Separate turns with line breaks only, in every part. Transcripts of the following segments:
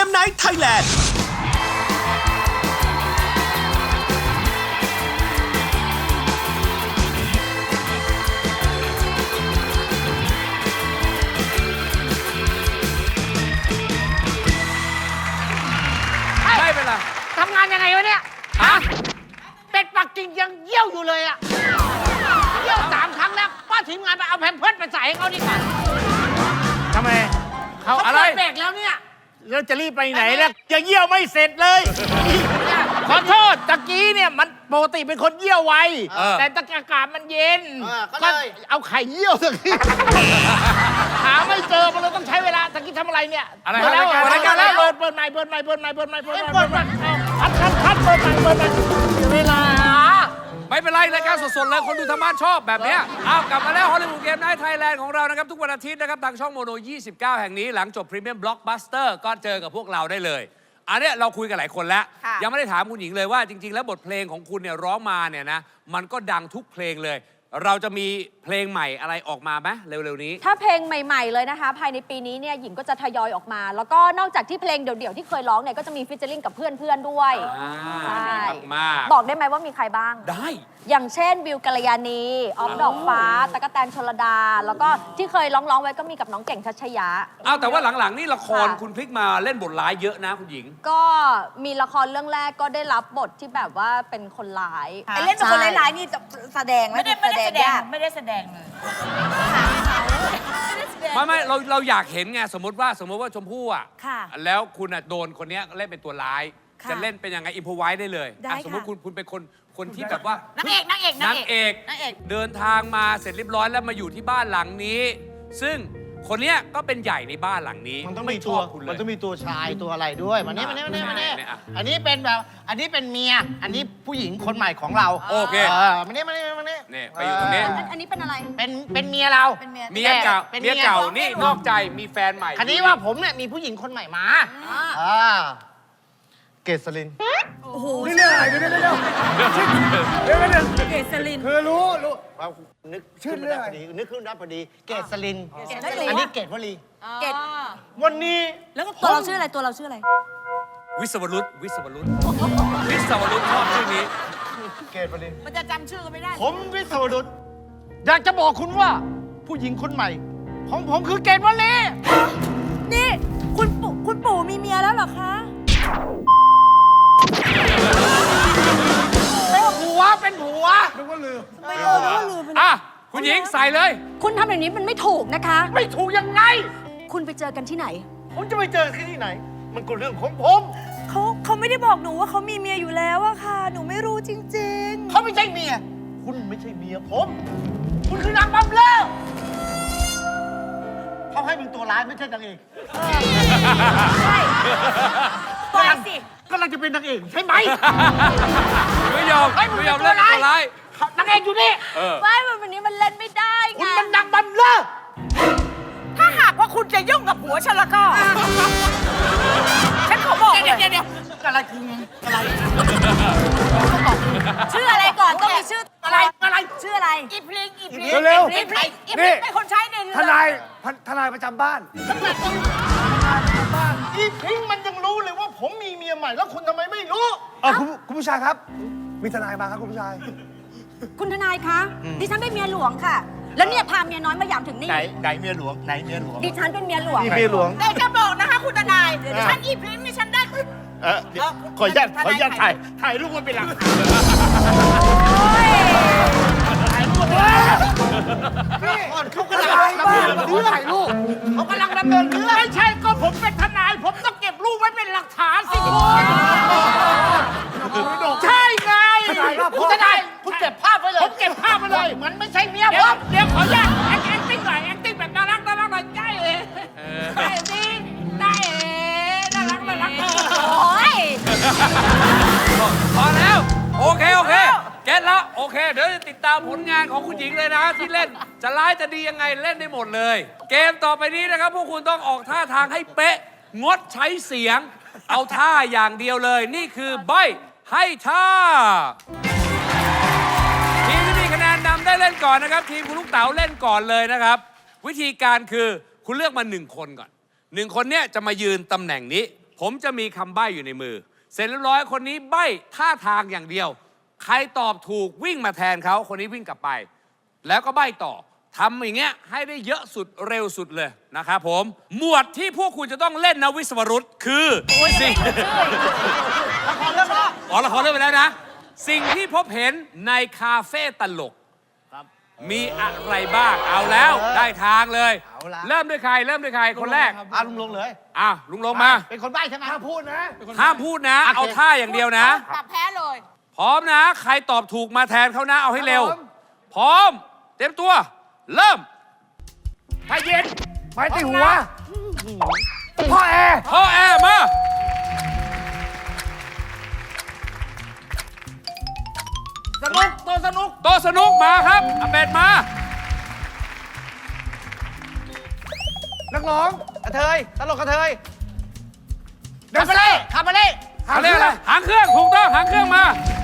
มไนท์ไทยแลนด์
ไม่เป็นไร
ทำงานยังไงวะเนี่ยฮะเป็ดปักกิ่งยังเยี่ยวอยู่เลยอะเยี่ยว3 ครั้งแล้วป้าทีมงานไปเอาแพมเพิร์สไปใส่ให้เขาดีกว่าทำไมเขาอะไรเบรกแล้วเนี่ยแล้วจะรีบไปไหนแล้วยังเยี่ยวไม่เสร็จเลยขอโทษตะกี้เนี่ยมันปกติเป็นคนเยี่ยวไวแต่ตะกี้อากาศมันเย็นก็เอาไข่เยี่ยวสักทีหาไม่เจอมันเลยต้องใช้เวลาตะกี้ทำอะไรเนี่ยอะไรแล้วเปิดใหม่คัดเปิดใหม่เวลา
ไม่เป็นไรรายการสดๆเลยคนดูทางบ้านชอบแบบเนี้ยเอากลับมาแล้วฮอลลีวูดเกมไนท์ไทยแลนด์ของเรานะครับทุกวันอาทิตย์นะครับทางช่องโมโน 29 แห่งนี้หลังจบพรีเมียมบล็อกบัสเตอร์ก็เจอกับพวกเราได้เลยอันเนี้ยเราคุยกันหลายคนแล้วยังไม่ได้ถามคุณหญิงเลยว่าจริงๆแล้วบทเพลงของคุณเนี่ยร้องมาเนี่ยนะมันก็ดังทุกเพลงเลยเราจะมีเพลงใหม่อะไรออกมาไหมเร็วๆนี้
ถ้าเพลงใหม่ๆเลยนะคะภายในปีนี้เนี่ยหญิงก็จะทยอยออกมา แล้วก็นอกจากที่เพลงเดี่ยวๆที่เคยร้องเนี่ยก็จะมีฟีเจอริ่งกับเพื่อนๆด้วยใช่บอกได้ไหมว่ามีใครบ้าง
ได้
อย่างเช่นวิวกัลยาณีออฟดอกฟ้าตะกะแตนชลดาแล้วก็ที่เคยร้องไว้ก็มีกับน้องเก่งชัชยะ
แต่ว่าหลังๆนี่ละครคุณพลิกมาเล่นบทร้ายเยอะนะคุณหญิง
ก็มีละครเรื่องแรกก็ได้รับบทที่แบบว่าเป็นคนร้าย
เล่นเป็นคนร้ายๆนี่จะแสดงไหมไม่ได้แสดงเลย
ไม่เราอยากเห็นไงสมมติว่าชมพู่อ่ะแล้วคุณโดนคนนี้เล่นเป็นตัวร้ายจะเล่นเป็นยังไงอิมพอไว้ได้เลยสมมติคุณเป็นคนที่แบบว่านางเอกเดินทางมาเสร็จเรียบร้อยแล้วมาอยู่ที่บ้านหลังนี้ ซึ่งคนเนี้ยก็เป็นใหญ่ในบ้านหลังนี้
มันต้องมีตัวชายตัวอะไรด้วยมาเนี่ยอันนี้เป็นแบบอันนี้เป็นเมียอันนี้ผู้หญิงคนใหม่ของเรา
โอเค
มาเนี่ย
ไปอยู่ตรงนี้
อันนี้เป็นอะไร
เป็นเมียเรา
เมียเก่านี่นอกใจมีแฟนใหม่
คันนี้ว่าผมเนี่ยมีผู้หญิงคนใหม่มาเกษริน
โอ้โห
นี่เรื่องอะไรเดี๋ยว
เกษริน
คือรู้นึกชื่อเรื่องนึกขึ้นได้พอดีเกษรินอันนี้เกษวลี
เกษ
วันนี้
แล้วก็ตัวเราชื่ออะไร
วิศวรุตชอบชื่อนี้
เกษวลี
มันจะจำชื่อกันไม่ได้
ผมวิศวรุตอยากจะบอกคุณว่าผู้หญิงคนใหม่ของผมคือเกษวลี
นี่คุณปู่มีเมียแล้วเหรอคะ
เป็นผัวนึกว่าลืม
คุณหญิงใส่เลย
คุณทำแบบนี้มันไม่ถูกนะคะ
ไม่ถูกยังไง
คุณไปเจอกันที่ไหน
ผมจะไปเจอที่ไหนมันก็เรื่องของผม
เขาไม่ได้บอกหนูว่าเขามีเมียอยู่แล้วอะค่ะหนูไม่รู้จริง
ๆเขาไม่ใช่เมียคุณไม่ใช่เมียผมคุณคือนางบำเรอเขาให้เป็นตัวร้ายไม่ใช่นางเอก
ใช่ตัวสิ
ก็เราจะเป็นนางเอกใช่ไหม
ไม่ยอมเล่นตัวร้าย
นางเอกอยู่นี่
ไม่วันนี้มันเล่นไม่ได้ไง
คุณมันนางบำเรอ
ถ้าหากว่าคุณจะยุ่งกับผัวฉันแล้วก็ฉันขอบอกเลย
เดี๋ยวอะไรคุณอะไร
ชื่ออะไรก่อนต้องมีชื่อ
อะไร
ชื่ออะไร
อีพลิง
เร็ว
อีพลิงเป็นคนใช้ใน
ทนายประจำบ้าน
อีพลิงมันยังรู้เลยว่าผมมีเมียใหม่แล้วคุณทำไมไม่รู้
คุณผู้ชายครับมีทนายมาครับคุณผู้ชาย
คุณทนายคะดิฉันเป็นเมียหลวงค่ะแล้วเนี่ยพาเมียน้อยมาหยามถึงนี่
ไหนเมียหลวง
ดิฉันเป็นเมียหลวง
เมียหลวง
แต่จะบอกนะคะคุณทนายฉันอีพลิงนี่ฉันได้
ขออนุญาตถ่ายรูปมันเป็นหลักถ่ายรูปเขากำลังดำเนินเรื่องไม่ใช่ก็ผมเป็นทนายผมต้องเก็บรูปไว้เป็นหลักฐานสิคุณใช่ไงคุณทนายคุณเก็บภาพไว้เลยผมเก็บภาพไว้เลยมันไม่ใช่เมียผมเดี๋ยวขออนุญาตแอคติ้งหน่อยแอคติ้งแบบน่ารักหน่อยได้สิน่ารัก
โอ้ย
พอแล้วโอเคเก็ตแล้วโอเคเดี๋ยวจะติดตามผลงานของคุณหญิงเลยนะที่เล่นจะร้ายจะดียังไงเล่นได้หมดเลยเกมต่อไปนี้นะครับพวกคุณต้องออกท่าทางให้เป๊ะงดใช้เสียงเอาท่าอย่างเดียวเลยนี่คือใบ้ให้ท่าทีมที่มีคะแนนนำได้เล่นก่อนนะครับทีมคุณลูกเต๋าเล่นก่อนเลยนะครับวิธีการคือคุณเลือกมา1 คนก่อน1 คนเนี้ยจะมายืนตำแหน่งนี้ผมจะมีคำใบ้อยู่ในมือ เสร็จเรียบร้อยคนนี้ใบ้ท่าทางอย่างเดียว ใครตอบถูกวิ่งมาแทนเขาคนนี้วิ่งกลับไป แล้วก็ใบ้ต่อทำอย่างเงี้ยให้ได้เยอะสุดเร็วสุดเลยนะครับผม หมวดที่พวกคุณจะต้องเล่นนะวิศวรุตคือสิ่ง
ละครเรื่องแล้ว
อ๋อละครเริ่มไปแล้วนะ สิ่งที่พบเห็นในคาเฟ่ตลกมีอะไรบ้างเอาแล้วได้ทางเลย เริ่มด้วยใครคนแรก
ลุงลงเลย
ลุงลงมา
เป็นคนใบ้ใช่ไหม
ห้ามพูดนะ
ห้ามพูดนะ เอาท่าอย่างเดียวนะ
ตับแพ้เลย
พร้อมนะ ใครตอบถูกมาแทนเขานะ เอาให้เร็ว
ครับผม
พร้อม เตรียมตัว เริ่ม
พาเย็น
ไม้ตีหัว พ่อแอร์
พ่อแอร์มา
สนุกตัวสนุก
โต๊ะสนุกมาครับอาเป็ดมา
นักร้อง
กระเทยตลกกระเทย
แดนเซอร์
คาบาเล่
เขาเรียกอะไรหางเครื่องถูกต้องหางเครื่องมา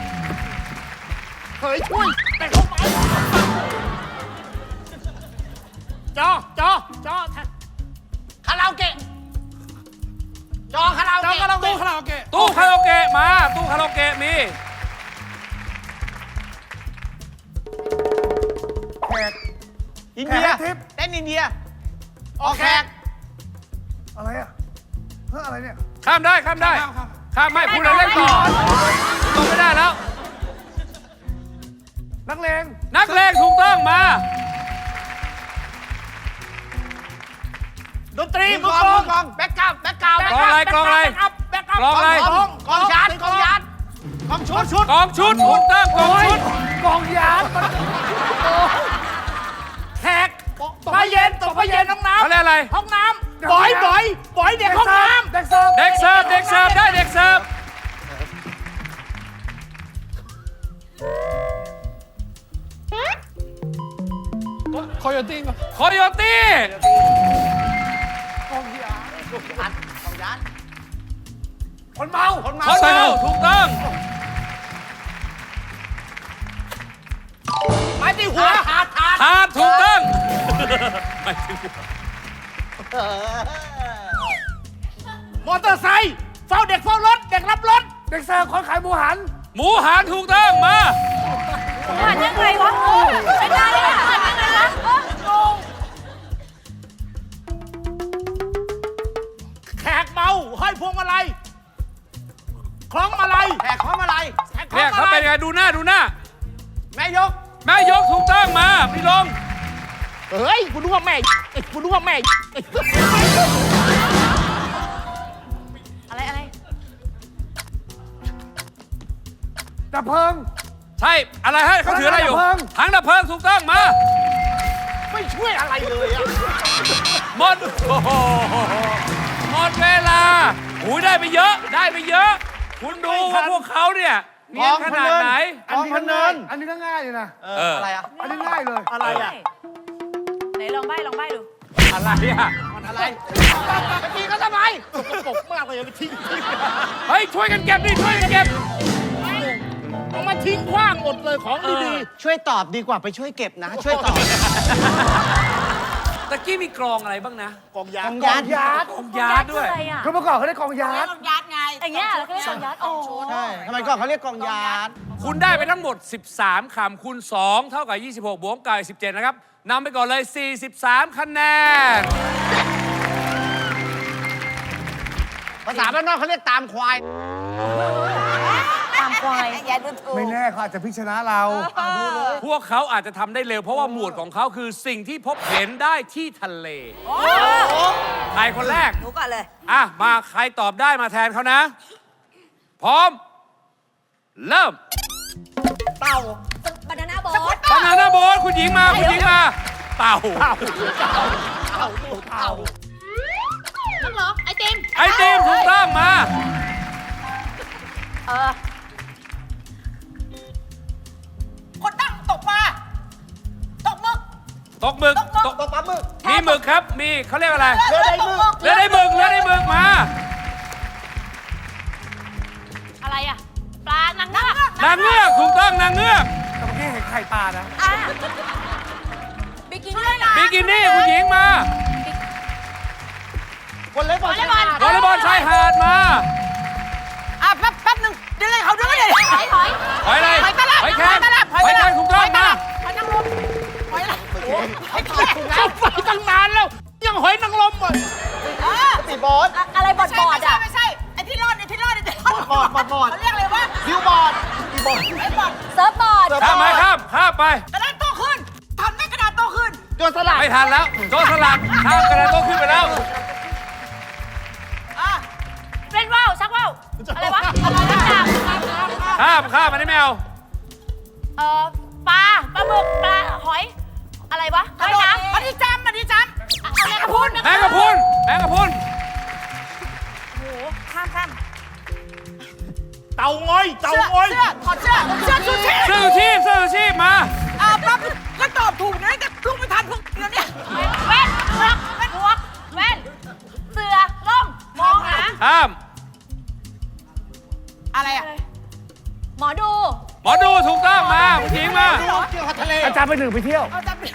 เคยช่วยแต่เข้าไปจอคาราโอเกะจอคาราโอเกะตู้คาราโอเกะ
ตู้คาราโอเกะมา ตู้คาราโอเกะมี
แขก
อินเดีย
แขกทิพย์
เต้นอินเดียออกแขก
อะไรอ่ะเฮ้ยอะไรเนี่ย
ข้ามได้ข้ามไม่พูดแล้วเล่นต่อตกไม่ได้แล้ว
นักเลง
นักเลงถูกต้องมา
ดนตรีมือกลองแบ็กกราวด์แบ็กกราวด์
กลองอะไร
กลองชุด
กองชุดถูกต้องกองชุด
กองยาม
แขกตกผ้าเย็นห้องน้
เขาเรียกอะไร
ำห้องน้ำบ่อยเด็กห้องน้ำ
เด็กเสิร์ฟ
เด็กเสิร์ฟได้เด็กเสิร์ฟ
คอยตี้
โคโยตี้
คนเมา
คนเมา
เขาเมาถูกต้อง
ไม้ตีหัวถาด
ทานถูกต้องไม่ถึง
มอเตอร์ไซค์เฝ้ารถเด็กรับรถ
เด็กเสิร์ฟคนขายหมูหัน
หมูหันถูกต้องมา
ผ่านยังไงวะไม่ได้เลยผ่านยังไงวะงง
แขกเมาห้อยพวงมาลัยคล้องมาลัยแขกคล้องมาลัย
เนี่ยเขาเป็นไงดูหน้า
แม่ยก
แม่ยกถูกต้องมาพี่ลง
เฮ้ยกูรู้ว่าแม่
อะไร
ดับเพลิง
ใช่อะไรให้เขาถืออะไรอยู่
ถังดับเพลิง
ถังดับเพลิงถูกต้องมา
ไม่ช่วยอะไรเลยอะ
หมดโอ้โหหมดเวลาหูยได้ไปเยอะ คุณดูว่าพวกเขาเนี่ยเนียนขนาดไหน
อันนี้ก็ง่ายอันนี้ก็ง่ายเลยนะ
อะไรอะ
อันนี้ง่ายเลย
อะไรอะ
ไหนลองใบ้ดู
อะไรอ่ะ
อะไรไปตีก็ทำไมสกปรกมากเลยไปทิ้ง
เฮ้ยช่วยกันเก็บดิช่วยกันเก็บ
เอามาทิ้งขว้างหมดเลยของดี
ช่วยตอบดีกว่าไปช่วยเก็บนะ ช่วยตอบ
ตะกี้มีกรองอะไรบ้างนะ
ๆกองยา
กอง
ก
ยา
องยาร์ด
กรองยาร์ดด้วย
อะไรอ่ะ
คือเมื่อก่อนเขาเรียกกองยาร์ด
อย่างเงี้ยเราก็เรียกกองยัดโอ้
ใช่ทำไมก่อนเขาเรียกกองยาร์ด
คุณได้ไปทั้งหมด 13 คำคูณ 2 เท่ากับ 26 บวกกับ17 นะครับนำไปก่อนเลย 43 คะแนน
ภาษาบ้านนอกเขาเรียกตามควาย
ตามควายอย่าดูถูก
ไม่แน่เขาอาจจะพลิกชนะเรา
พวกเขาอาจจะทำได้เร็ว เพราะว่าหมวดของเขาคือสิ่งที่พบเห็นได้ที่ทะเล ใครคนแรก
หนูก่อนเลย
มาใครตอบได้มาแทนเขานะ พร้อม เริ่ม
บานาน่าโบ๊ท
บานาน่าโบ๊ทคุณหญิงมา เต่า
นักร้องไอติม
ไอติมถูกต้องมา
คนตั้งตกปลาตกหมึก
ตกหมึก
ตบปั๊บมือ
มีหมึกครับ มีเขาเรียกอะไร
เรือใดมือ
เรือได้หมึกมา
อะไรอ่ะ ปลานางเงือก
นางเงือกถูกต้องนางเงือก
แต่เมื่อกี้เห็นไข่ปลานะ
บิกินี่
บิกินี่คุณหญิงมาว
อลเลย์บอล
วอลเลย์บอลชายหาดมา
แป๊บหนึ่งเดี๋ยวเลยเขาด้วยเลย
หอย
หอยอะไร
หอยตลับ
หอยแครง
หอยตลับ
หอยแครงถูกต้องมา
หอยนางรมหอยอะไรหอยแครงเข้าไปตั้งนานแล้ว ยังหอยนางรมอ่ะ
ตีบอร์ด
อะไรบอดอ่ะ
ไม่ใช่ไอ้ที่รอดเขาเรียกอะไรวะ
บิวบอร์ดตีบอร์ด
ไอ้บอด
เซิร์ฟบอร์ด
ข้ามไปข้ามไป
กระดานโตขึ้นทำให้กระดานโตขึ้น
โจรสลัด
ไม่ทันแล้วโจรสลัดข้ามกระดานโต๊ะขึ้นไปแล้ว
เป็นว่าวชักว่าวอะไรวะ
ข้ามอันนี้ไม่เอา
ปลาหมึกปลาหอย อะไรวะ
กระโดดมันที่จำ
แมงกะพรุน
แมงกะพรุน
โอ้โหข้าม
เต่าง้อย
ถอดเสื้อชูชีพ
เสื้อชูชีพมา
ปั๊บก็ตอบถูกนะแต่ลุกไม่ทันพวกนี้เนี่ย
แว่นหมวกแว่นเสือล่มมองหา
ข้าม
อะไรอ่ะ
หมอดู
หมอดูถูกต้องมาผู้หญิงมา
เกี่ยวกับทะเล
อาจารย์ไปหนึ่งไปเที่ยว
เอาจำ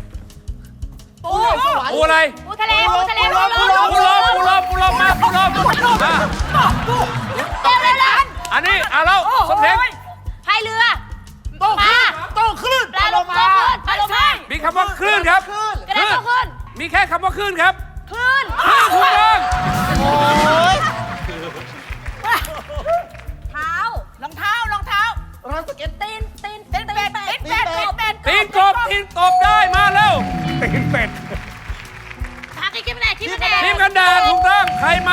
ปูอะไร
ปูทะเลปูลม
ปูลมมาปูลมมา
เร็ว
อันนี้แล้วสมเด็จ
พายเรือปลา
โตคลื่น
ปลาลงมาปลาลงมา
มีคำว่าคลื่นครับ
กระดานโตขึ้น
มีแค่คำว่าคลื่นครับ
คลื่น
ถูกต้อง
โอ้ย
เท้าร
องเท้า
ร้านสเก็ต
ตีน
เป็ดเป็ด
ตีนกบได้มาแล้ว
ตีนเป็ด
ทางคิดไม่ได้คิดไม่ได้
ทีมกันแดดถูกต้องใครมา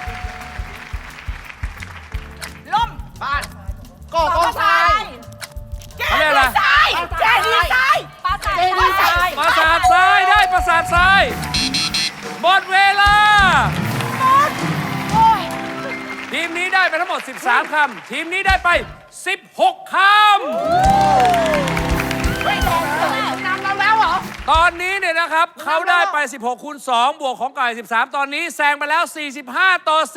ล่ม
บ้านก่อกองทราย
แก้ดีไซน์
ปลาใส
ปราสาททรายได้ปราสาททรายหมดเวลา ทีมนี้ได้ไปทั้งหมด 13 คำ ทีมนี้ได้ไป 16 คำ ตอนนี้เนี่ยนะครับ เขาได้ไป 16 คูณ 2 บวกของไก่ 13 ตอนนี้แซงไปแล้ว 45 ต่อ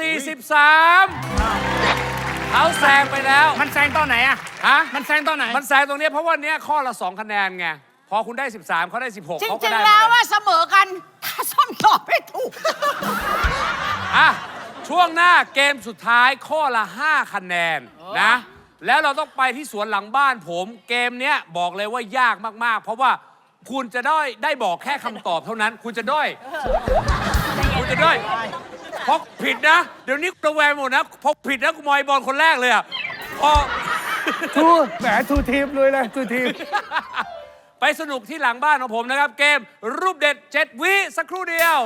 43 เขาแซงไปแล้ว
มันแซงตอนไหนอะ
ฮะ
มันแซงตอนไหน
มันแซงตรงเนี้ยเพราะว่าเนี้ยข้อละ 2 คะแนนไง พอคุณได้ 13 เขาได้ 16
จริ
เขาก็
ง
ได้
ๆแล้วว่าเสมอกัน ถ้าส้มตอบไม่ถูก
อ่ะ ช่วงหน้าเกมสุดท้ายข้อละ 5 คะแนนนะ แล้วเราต้องไปที่สวนหลังบ้านผม เกมเนี้ยบอกเลยว่ายากมากๆ เพราะว่าคุณจะได้บอกแค่คำตอบเท่านั้น คุณจะด้อยเพราะผิดนะ เดี๋ยวนี้ระแวงหมดนะพอผิดนะกูมอยบอลคนแรกเลยอ่ะพอ
ทูทีมเลยทูทีม
ไปสนุกที่หลังบ้านของผมนะครับ เกมรูปเด็ด 7 วิสักครู่เดียว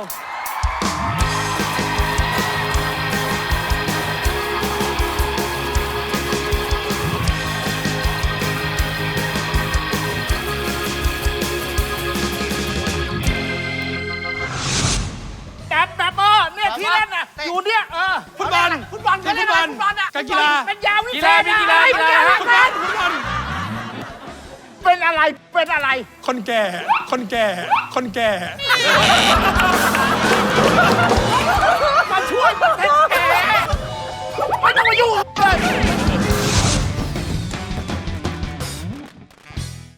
แบบเนี่ยที่เล่นน่ะอยู่เนี่ยฟุตบอลก็เล่นฟุตบอลอ่ะการกีฬา
เป็นยาวิ
กี
เศ
ฬา
ษ
มีกีฬา
เป็นอะไร
คนแก่